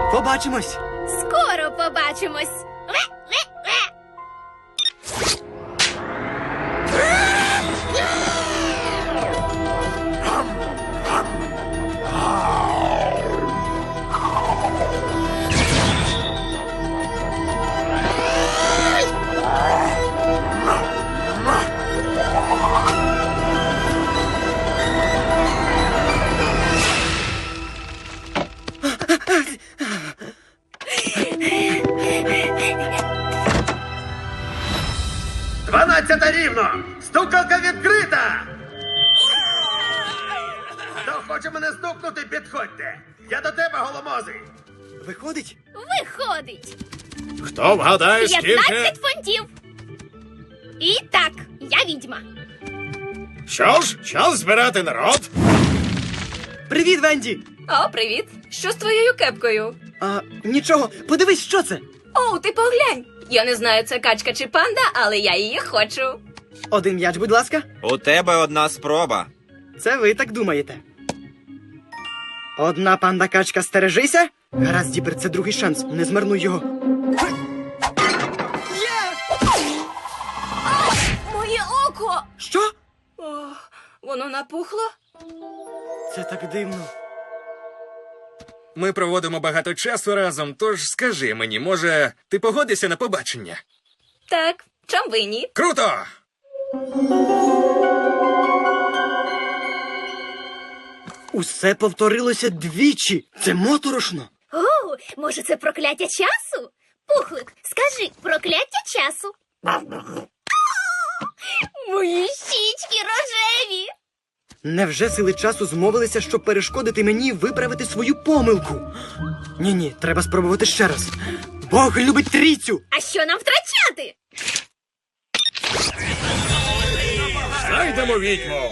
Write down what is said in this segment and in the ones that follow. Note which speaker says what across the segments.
Speaker 1: Побачимось.
Speaker 2: Скоро побачимось.
Speaker 3: Дванадцята рівно! Стукалка відкрита! Хто хоче мене стукнути, підходьте! Я до тебе, голомозий!
Speaker 1: Виходить?
Speaker 2: Виходить.
Speaker 4: Хто вгадає,
Speaker 2: 15 фунтів. І так, я відьма.
Speaker 4: Що ж, час збирати народ.
Speaker 1: Привіт, Венді!
Speaker 5: О, привіт! Що з твоєю кепкою?
Speaker 1: Нічого, подивись, що це?
Speaker 5: О, ти поглянь! Я не знаю, це качка чи панда, але я її хочу.
Speaker 1: Один м'яч, будь ласка.
Speaker 6: У тебе одна спроба.
Speaker 1: Це ви так думаєте. Одна панда-качка, стережися. Гаразд, Діпер, це другий шанс. Не змарнуй його.
Speaker 5: Моє око!
Speaker 1: Що?
Speaker 5: О, воно напухло?
Speaker 1: Це так дивно.
Speaker 7: Ми проводимо багато часу разом, тож скажи мені, може, ти погодишся на побачення?
Speaker 5: Так, чом ви ні?
Speaker 7: Круто!
Speaker 1: Усе повторилося двічі. Це моторошно.
Speaker 2: О, може, це прокляття часу? Пухлик, скажи, прокляття часу. Мої щічки рожеві.
Speaker 1: Невже сили часу змовилися, щоб перешкодити мені виправити свою помилку? Ні, треба спробувати ще раз. Бог любить трійцю!
Speaker 2: А що нам втрачати?
Speaker 4: Знайдемо відьму.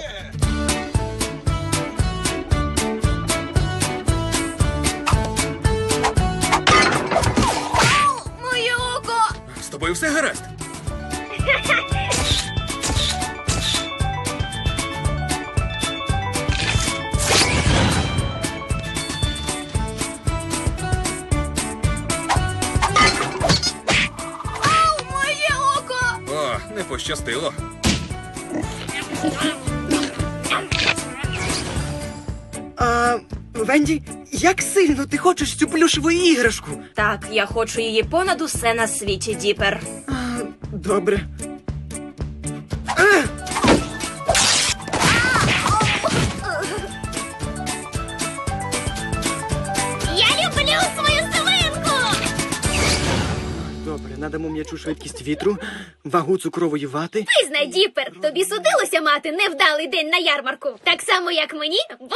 Speaker 2: Моє око.
Speaker 7: З тобою все гаразд?
Speaker 2: Моє око.
Speaker 7: О, не пощастило.
Speaker 1: Венді, як сильно ти хочеш цю плюшеву іграшку?
Speaker 5: Так, я хочу її понад усе на світі, Діпер.
Speaker 1: Добре.
Speaker 2: Я люблю свою свинку.
Speaker 1: Добре, надамо м'ячу швидкість вітру, вагу цукрової вати.
Speaker 2: Визнай, Діпер, тобі судилося мати невдалий день на ярмарку. Так само, як мені,